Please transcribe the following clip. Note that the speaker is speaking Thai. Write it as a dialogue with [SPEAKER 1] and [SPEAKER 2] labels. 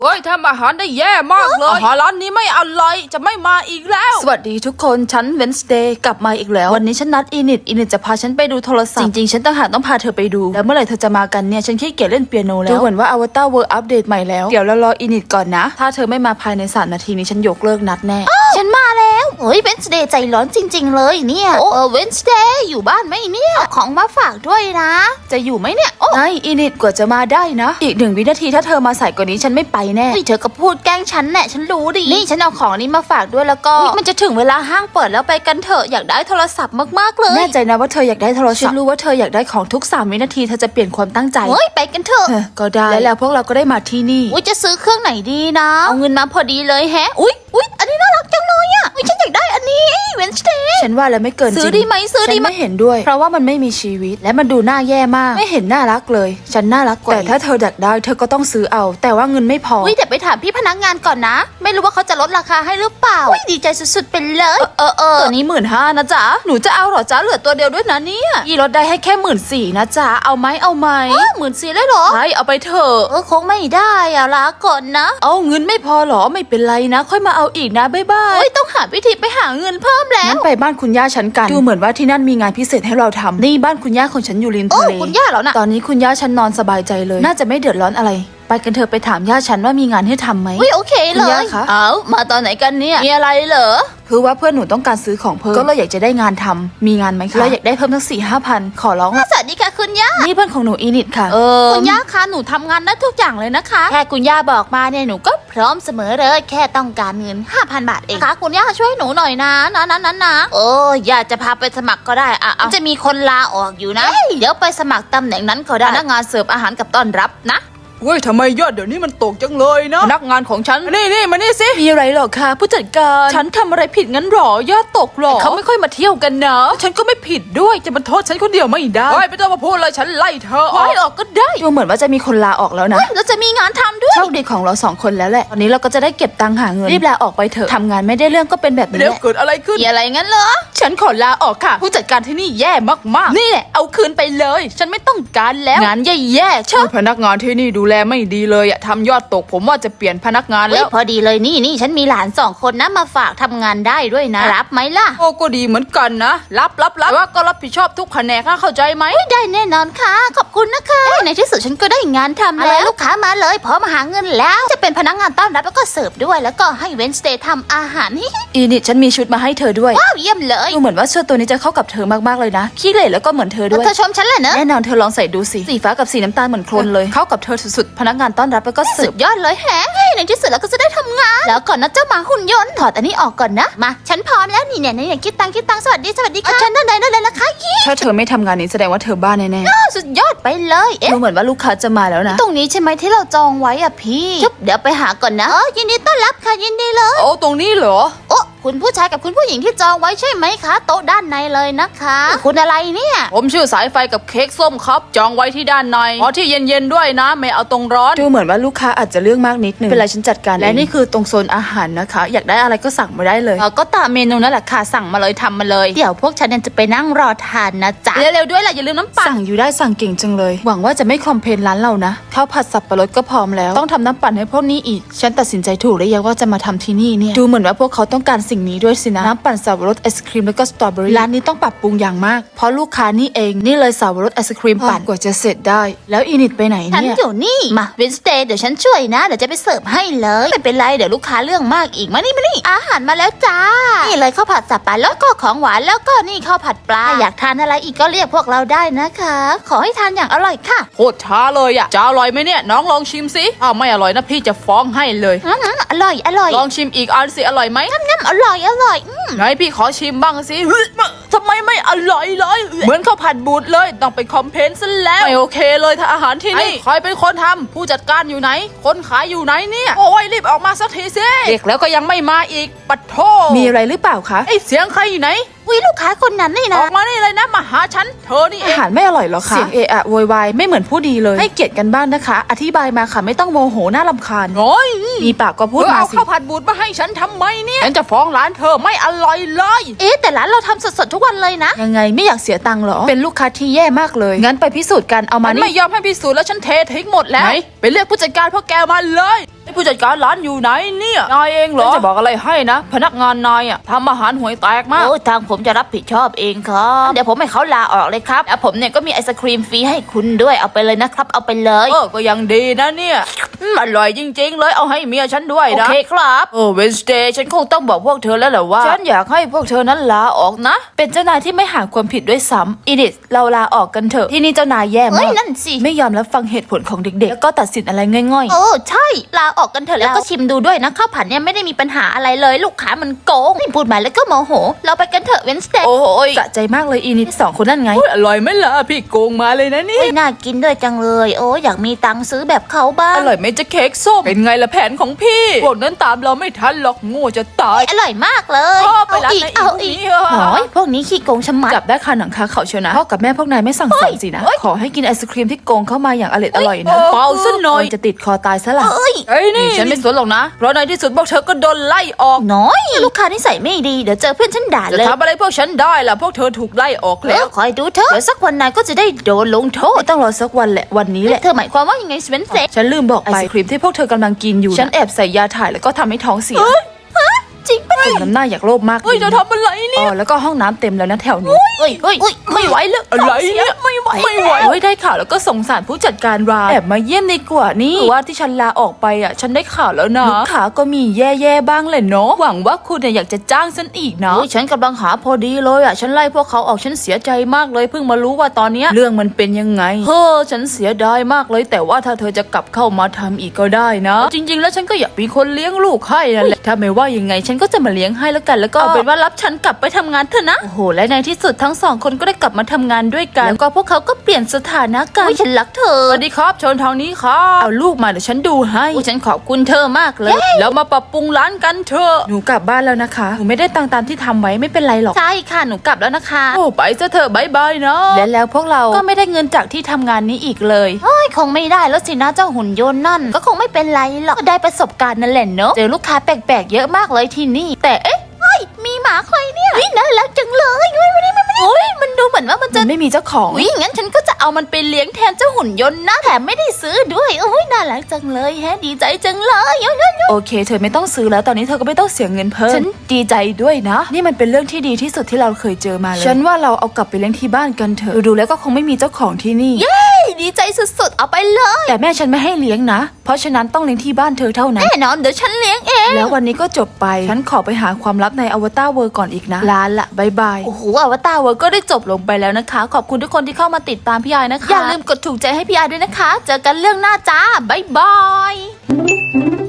[SPEAKER 1] เฮ้ยทำอาหารได้แย่มากเลยอาหารร้านนี้ไม่อร่อยจะไม่มาอีกแล้วสวัสดีทุกคนฉันเวนสเดย์กลับมาอีกแล้ววันนี้ฉันนัดอินิดจะพาฉันไปดูโทรศัพท์จริงๆฉันต่างหากต้องพาเธอไปดูแล้วเมื่อไหร่เธอจะมากันเนี่ยฉันขี้เกียจเล่นเปียโนแล้วดูเหมือนว่าอวตารเวิร์อัปเดตใหม่แล้วเดี๋ยวเรารออินิดก่อนนะถ้าเธอไม่มาภายใน3 นาทีนี้ฉันยกเลิกนัดแน่
[SPEAKER 2] ฉันมาแล้วเฮ้ยเวนสเดย์ใจร้อนจริงๆเลยเนี่ยเวนสเดย์อยู่บ้านไหมเนี่ยเอาของมาฝากด้วยนะจะอยู่ไหมเนี่ย
[SPEAKER 1] ไงอินิดกว่าจะมาได้นะอีก1 วินาทีถ้าเธอมาสายกว่านี้ฉันไม่ไปแน่
[SPEAKER 2] เธอก็พูดแกล้งฉันแน่ฉันรู้ดินี่ฉันเอาของนี้มาฝากด้วยแล้วก็มันจะถึงเวลาห้างเปิดแล้วไปกันเถอะอยากได้โทรศัพท์มากๆเลย
[SPEAKER 1] แน่ใจนะว่าเธออยากได้โทรศัพท์ฉันรู้ว่าเธออยากได้ของทุก3 วินาทีเธอจะเปลี่ยนความตั้งใจ
[SPEAKER 2] เฮ้ยไปกันเถอะ
[SPEAKER 1] ก็ได้แล้วพวกเราก็ได้มาที่นี่
[SPEAKER 2] จะซื้อเครื่องไหนดีนะเอาเงินมาพอดีเลยแฮะอุ๊ยอันนี้น่ารักจังเลยอ่ะฉันอยากได้อันนี้เวนสเดย์
[SPEAKER 1] ฉันว่าแล้วไม่เกินจริง
[SPEAKER 2] ซื้อดีไหมซื้อดี
[SPEAKER 1] ไหมฉันไม่เห็นด้วยเพราะว่ามันไม่มีชีวิตและมันดูน่าแย่มากไม่เห็นน่ารักเลยฉันน่ารักกว่าแต่ถ้าเธออยากได้เธอก็ต้องซื้อเอาแต่ว่าเงินไม่พอ
[SPEAKER 2] แต่ไปถามพี่พนักงานก่อนนะไม่รู้ว่าเขาจะลดราคาให้หรือเปล่าดีใจสุดๆไปเลย
[SPEAKER 1] ตัวนี้15,000นะจ๊ะหนูจะเอาหรอจ๊ะเหลือตัวเดียวด้วยนะเนี่ยพี่ลดได้ให้แค่14,000นะจ๊ะเอาไหม
[SPEAKER 2] 14,000เลยเหรอ
[SPEAKER 1] ใช่เอาไปเถอะ
[SPEAKER 2] คงไม่ได้อะลาก่อนนะ
[SPEAKER 1] เอาเงินไม่พอหรอไม่เป็นไรนะค่อยมาเอาอีกนะบ๊ายบาย
[SPEAKER 2] ต้องหาวิธีไปหาเงินเพิ่มแล้ว
[SPEAKER 1] งั้นไปบ้านคุณย่าฉันกันดูเหมือนว่าที่นั่นมีงานพิเศษให้เราทำนี่บ้านคุณย่าของฉันอยู่ริมทะเล
[SPEAKER 2] คุณย่าเหรอนะ
[SPEAKER 1] ตอนนี้คุณย่าฉันนอนสบายใจเลยน่าจะไม่เดือดร้อนอะไรไปกันเถอะไปถามย่าฉันว่ามีงานให้ทำไหม
[SPEAKER 2] โอเคเลย
[SPEAKER 1] เอา
[SPEAKER 2] มาตอนไหนกันเนี่ย
[SPEAKER 1] มีอะไรเหรอคือว่าเพื่อนหนูต้องการซื้อของเพิ่มก็เลยอยากจะได้งานทำมีงานไหมคะเราอยากได้เพิ่มทั้ง4-5 พันขอร้อง
[SPEAKER 2] สวัสดีค่ะคุณย่า
[SPEAKER 1] นี่เพื่อนของหนูอีนิดค่ะ
[SPEAKER 2] คุณย่าคะหนูทำงานได้ทุกอย่างเลยนะคะแค่คุณย่าบอกมาเนี่ยหนูก็พร้อมเสมอเลยแค่ต้องการเงิน 5,000 บาทเองค่ะคุณย่าช่วยหนูหน่อยนะย่าจะพาไปสมัครก็ได้จะมีคนลาออกอยู่นะเดี๋ยวไปสมัครตำแหน่งนั้นก็ได้พนักงานเสิร์ฟอาหารกับต้อนรับนะ
[SPEAKER 1] เว้ยทำไมยอดเดี๋ยวนี้มันตกจังเลยนะพนักงานของฉันนี่มานี่สิมีอะไรหรอคะผู้จัดการฉันทำอะไรผิดงั้นหรอยอดตกหรอเขาไม่ค่อยมาเที่ยวกันนะฉันก็ไม่ผิดด้วยจะมาโทษฉันคนเดียวไม่ได้ไม่ต้องมาพูดเลยฉันไล่เธอออกก็ได้ดูเหมือนว่าจะมีคนลาออกแล้วนะ
[SPEAKER 2] แล้วจะมีงานทำด้วย
[SPEAKER 1] โชคดีของเรา2 คนแล้วแหละตอนนี้เราก็จะได้เก็บตังค์หาเงินรีบลาออกไปเถอะทำงานไม่ได้เรื่องก็เป็นแบบนี้แหละเกิดอะไรขึ้น
[SPEAKER 2] อะไรงั้นเหรอ
[SPEAKER 1] ฉันขอลาออกค่ะผู้จัดการที่นี่แย่มากๆนี่แหละเอาคืนไปเลยฉันไม่ต้องการแล้วงานแย่ๆเช่พนักงานที่นี่ดูแลไม่ดีเลยทำยอดตกผมว่าจะเปลี่ยนพนักงานแล้ว
[SPEAKER 2] พอดีเลยนี่ฉันมีหลาน2 คนนะมาฝากทำงานได้ด้วยนะรับไหมล่ะ
[SPEAKER 1] โอ้ก็ดีเหมือนกันนะรับแต่ว่าก็รับผิดชอบทุกแผนกเข้าใจไหม
[SPEAKER 2] ได้แน่นอนค่ะขอบคุณนะคะในที่สุดฉันก็ได้งานทำแล้วลูกค้ามาเลยพร้อมมาหาเงินแล้วจะเป็นพนักงานต้อนรับแล้วก็เสิร์ฟด้วยแล้วก็ให้เวนสเดย์ทำอาหาร
[SPEAKER 1] อีนี่ฉันมีชุดมาให้เธอด้วย
[SPEAKER 2] ว้าวเยี่ยมเลย
[SPEAKER 1] ดูเหมือนว่าชุดตัวนี้จะเข้ากับเธอมากๆเลยนะขี้เหร่แล้วก็เหมือนเธอด้วย
[SPEAKER 2] เธอชมฉันเลยเนอะ
[SPEAKER 1] แน่นอนเธอลองใส่ดูสิสีฟ้ากับสีน้ำตาลเหมือนโคลนเลยเข้ากับเธอสุดๆพนักงานต้อนรับแล้วก็เสิร์ฟ
[SPEAKER 2] ยอดเลยแฮะในที่สุดเราก็จะได้ทำงานแล้วก่อนนะเจ้าหมาหุ่นยนต์ถอดอันนี้ออกก่อนนะมาฉันพร้อมแล้วนี่คิดตังค์สวัสดีค่ะฉันได้เลยนะคะ
[SPEAKER 1] ถ้าเธอไม่ทำงานนี้แสดงว่าเธอบ้าแน่
[SPEAKER 2] ๆสุดยอดไปเลย
[SPEAKER 1] ดูเหมือนว่าลูกค้าจะมาแล้วนะ
[SPEAKER 2] ตรงนี้ใช่ไหมที่เราจองไว้อ่ะพี่เดี๋ยวไปหาก่อนนะยินดีต้อนรับค่ะยินดีเลย
[SPEAKER 1] โอ้ตรงนี้เหรอ
[SPEAKER 2] คุณผู้ชายกับคุณผู้หญิงที่จองไว้ใช่ไหมคะโต๊ะด้านในเลยนะคะคุณอะไรเนี่ย
[SPEAKER 1] ผมชื่อสายไฟกับเค้กส้มครับจองไว้ที่ด้านในขอที่เย็นๆด้วยนะไม่เอาตรงร้อนดูเหมือนว่าลูกค้าอาจจะเรื่องมากนิดนึงเป็นไรฉันจัดการและนี่คือตรงโซนอาหารนะคะอยากได้อะไรก็สั่งมาได้เลย
[SPEAKER 2] ก็ตามเมนูนั่นแหละค่ะสั่งมาเลยทำมาเลยเดี๋ยวพวกฉันจะไปนั่งรอทานนะจ๊ะ
[SPEAKER 1] เร็วๆด้วยล่ะอย่าลืมน้ำปั่นสั่งอยู่ได้สั่งเก่งจังเลยหวังว่าจะไม่คอมเพลนร้านเรานะข้าวผัดสับปะรดก็พร้อมแล้วต้องทำน้ำปั่นให้พวกนี้อีกฉันตัดสินใจถูกแล้วยังว่าจะมาทำที่นี่เนี่ยดูเหมือนว่าพวกเขาต้องการสิ่งนี้ด้วยสินะน้ำปั่นสับปะรดไอศครีมแล้วก็สตรอเบอรี่ร้านนี้ต้องปรับปรุงอย่างมากเพราะลูกค้านี่เองนี่เลยสับปะรดไอศครีมปั่นกว่าจะเสร็จได้แล้วอีนิดไปไหนเนี่ย
[SPEAKER 2] ฉันอยู่นี่มาเวนสเดย์เดี๋ยวฉันช่วยนะเดี๋ยวจะไปเสิร์ฟให้เลยไม่เป็นไรเดี๋ยวลูกค้าเรื่องมากอีกมานี่อาหารมาแล้วจ้านี่เลยข้าวผัดสับปะรดก็ของหวานแล้วก็นี่ข้าวผัดปลาอยากทานอะไรอีกก็เรียกพวกเราได้นะคะขอให้ทานอย่างอร่อยค่ะ
[SPEAKER 1] โคตรช้าเลยอ่ะจะอร่อยไหมเนี่ยน้องลองชิมสิถ้าไม่อร่อยนะพี่จะฟ้องให้เลย
[SPEAKER 2] อร่อย
[SPEAKER 1] ลองชิมอีกอันสิอร่อยไหม
[SPEAKER 2] งั้นอร่อย
[SPEAKER 1] ไหนพี่ขอชิมบ้างสิทำไมไม่อร่อยเลยเหมือนข้าวผัดบูดเลยต้องไปคอมเพลนซะแล้วไม่โอเคเลยถ้าอาหารที่นี่ใครเป็นคนทำผู้จัดการอยู่ไหนคนขายอยู่ไหนเนี่ยโอ้ยรีบออกมาสักทีสิเด็กแล้วก็ยังไม่มาอีกปัดโทมีอะไรหรือเปล่าคะไอเสียงใครอยู่ไหน
[SPEAKER 2] ลูกค้าคนนั้นนี่นะ
[SPEAKER 1] ออกมานี่เลยนะมาหาฉันเธอนี่อาหารไม่อร่อยหรอคะเสียงเอะอะโวยวายไม่เหมือนผู้ดีเลยให้เกียรติกันบ้างนะคะอธิบายมาค่ะไม่ต้องโมโหน่ารำคาญโอ้ยมีปากก็พูดมาสิเอาข้าวผัดบูดมาให้ฉันทำไมเนี่ยฉันจะฟ้องร้านเธอไม่อร่อยเลย
[SPEAKER 2] แต่ร้านเราทำสดๆทุกวันเลยนะ
[SPEAKER 1] ยังไงไม่อยากเสียตังค์หรอเป็นลูกค้าที่แย่มากเลยงั้นไปพิสูจน์กันเอามานี่ไม่ยอมให้พิสูจน์แล้วฉันเททิ้งหมดแล้วไปเรียกผู้จัดการพวกแกมาเลยผู้จัดการร้านอยู่ไหนเนี่ยนายเองเหรอจะบอกอะไรให้นะพนักงานนายทำอาหารห่วยแตกมาก
[SPEAKER 2] โอ้ทางผมจะรับผิดชอบเองครับเดี๋ยวผมให้เขาลาออกเลยครับแล้วผมเนี่ยก็มีไอศครีมฟรีให้คุณด้วยเอาไปเลยนะครับเอาไปเลย
[SPEAKER 1] ก็ยังดีนะเนี่ยอร่อยจริงๆเลยเอาให้เมียฉันด้วย
[SPEAKER 2] โอ
[SPEAKER 1] นะ
[SPEAKER 2] เคครับ
[SPEAKER 1] เวนสเดย์ฉันคงต้องบอกพวกเธอแล้วแหละว่าฉันอยากให้พวกเธอนั้นลาออกนะเป็นเจ้านายที่ไม่หาความผิดด้วยซ้ำอินิสเราลาออกกันเถอะที่นี่เจ้านายแย่
[SPEAKER 2] เฮ้
[SPEAKER 1] มาย ก
[SPEAKER 2] นั่นสิ
[SPEAKER 1] ไม่ยอมรับฟังเหตุผลของเด็กๆแล้วก็ตัดสินอะไรง่อย
[SPEAKER 2] โอ้ใช่ลาออกกันเถอะแล้วก็ชิมดูด้วยนะข้าวผัดเนี่ยไม่ได้มีปัญหาอะไรเลยลูกค้ามันโกงนี่พูดมาแล้วก็โมโหเราไปกันเถอะเวนสเต
[SPEAKER 1] ๆ
[SPEAKER 2] ย์
[SPEAKER 1] โอ้ยสะใจมากเลยอินิสสองคนนั่นไงอร่อยไหมล่ะพี่โกงมาเลยนะนี่
[SPEAKER 2] น่ากินด้วยจังเลยโอ้อยากมีตังค์ซื้อแบบเขาบ้าง
[SPEAKER 1] อร่อยไหมจะเค้กส้มเป็นไงล่ะแผนของพี่พวกนั้นตามเราไม่ทันหรอกโง่จะตาย
[SPEAKER 2] อร่อยมากเลย
[SPEAKER 1] พ่อไปร้าน
[SPEAKER 2] อีก
[SPEAKER 1] ไหน
[SPEAKER 2] เอาอีก
[SPEAKER 1] อีกอ่ะ
[SPEAKER 2] โอ้ยพวกนี้ขี้โกงชะมัด
[SPEAKER 1] จับได้คาหนังคาเขาเชียวนะพ่อกับแม่พวกนายไม่สั่งสอนสินะขอให้กินไอศครีมที่โกงเข้ามาอย่างอร่อยนะเปล่าซะหน่อยจะติดคอตายซะละ
[SPEAKER 2] เอ้ย
[SPEAKER 1] ไอ้นี่ฉันไม่สนหรอกนะเพราะในที่สุดพวกเธอก็โดนไล่ออก
[SPEAKER 2] น้อยลูกค้านิสัยไม่ดีเดี๋ยวเจอเพื่อนฉันด่า
[SPEAKER 1] จะ
[SPEAKER 2] เลย
[SPEAKER 1] ทำอะไรพวกฉันได้ล่ะพวกเธอถูกไล่ออก
[SPEAKER 2] แล้
[SPEAKER 1] แล้ว ว
[SPEAKER 2] คอยดูเถอะเดี๋ยวสักวันนายก็จะได้โดนลงโทษ
[SPEAKER 1] ไม่ต้องรอสักวันแหละวันนี้แหละ
[SPEAKER 2] เธอหมายความว่ายังไงสเวนเซ
[SPEAKER 1] ฉันลืมบอกไปไอศครีมที่พวกเธอกำลังกินอยู่ฉันแอบใส่ยาถ่ายแล้วก็ทำให้ท้องเสีย
[SPEAKER 2] จริงปะ
[SPEAKER 1] สมน้ำหน้าอยากโลภมาก
[SPEAKER 2] เฮ้ยจะทำอะไรเนี่ย
[SPEAKER 1] แล้วก็ห้องน้ำเต็มแล้วนะแถวนี้
[SPEAKER 2] เฮ้ยไม่ไหวเลย
[SPEAKER 1] อะไรเนี่ยไม่ไหวเฮ้ยได้ข่าวแล้วก็สงสารผู้จัดการร้านแอบมาเยี่ยมดีกว่านี่ว่าที่ฉันลาออกไปฉันได้ข่าวแล้วนะลูกค้าก็มีแย่ๆบ้างแหละเนาะหวังว่าคุณอยากจะจ้างฉันอีกนะฉันกำลังหาพอดีเลยฉันไล่พวกเขาออกฉันเสียใจมากเลยเพิ่งมารู้ว่าตอนเนี้ยเรื่องมันเป็นยังไงฉันเสียดายมากเลยแต่ว่าถ้าเธอจะกลับเข้ามาทำอีกก็ได้นะจริง ๆ แล้วฉันก็อยากมีคนเลี้ยงลูกให้นั่นแหละถ้าไม่ว่ายังไงฉันก็จะมาเลี้ยงให้แล้วกันแล้วก็เอาเป็นว่ารับฉันกลับไปทำงานเถอะนะโอ้โหและในที่สุดทั้งสองคนก็ได้กลับมาทำงานด้วยกันแล้วก็พวกเขาก็เปลี่ยนสถานะกันฉันรักเธอสวัสดีครับเชิญทางนี้ครับเอาลูกมาเดี๋ยวฉันดูให้ฉันขอบคุณเธอมากเลยแล้วมาปรับปรุงร้านกันเถอะหนูกลับบ้านแล้วนะคะหนูไม่ได้ตังตามที่ทำไว้ไม่เป็นไรหรอก
[SPEAKER 2] ใช่ค่ะหนูกลับแล้วนะคะ
[SPEAKER 1] โอ้ไปซะเถอะบายบายนะและแล้วพวกเราก็ไม่ได้เงินจากที่ทำงานนี้อีกเลย
[SPEAKER 2] เฮ้ยคงไม่ได้แล้วสินะเจ้าหุ่นยนต์นั่นก็คงไม่เป็นไรหรอกก็ได้ประสบการณ์นั่นแหละเนอะเจอลูกค้าแปลกๆเยอะมากเลยที่นี่แต่เอ๊ะเฮ้ยมีหมาใครเนี่ยน่ารักจังเลยเฮ้ยมันดูเหมือนว่ามันจะ
[SPEAKER 1] มันไม่มีเจ้าของ
[SPEAKER 2] อุ๊ยงั้นฉันก็จะเอามันไปเลี้ยงแทนเจ้าหุ่นยนต์นะแถมไม่ได้ซื้อด้วยโอ้ยน่ารักจังเลยแฮะดีใจจังเลย
[SPEAKER 1] โอเคเธอไม่ต้องซื้อแล้วตอนนี้เธอก็ไม่ต้องเสียเงินเพิ่มฉันดีใจด้วยนะนี่มันเป็นเรื่องที่ดีที่สุดที่เราเคยเจอมาเลยฉันว่าเราเอากลับไปเลี้ยงที่บ้านกันเถอะดูแล้วก็คงไม่มีเจ้าของที่นี่
[SPEAKER 2] ดีใจสุดๆเอาไปเลย
[SPEAKER 1] แต่แม่ฉันไม่ให้เลี้ยงนะเพราะฉะนั้นต้องเลี้ยงที่บ้านเธอเท่านั้น
[SPEAKER 2] แน่นอนเดี๋ยวฉันเลี้ยงเอง
[SPEAKER 1] แล้ววันนี้ก็จบไปฉันขอไปหาความลับในอวตารเวิร์ก่อนอีกนะลาละบายบาย
[SPEAKER 2] โอ้โหอวตารเวิร์ก็ได้จบลงไปแล้วนะคะ ขอบคุณทุกคนที่เข้ามาติดตามพี่ไอนะคะอย่าลืมกดถูกใจให้พี่ไอด้วยนะคะ เจอกันเรื่องหน้าจ้าบ๊ายบาย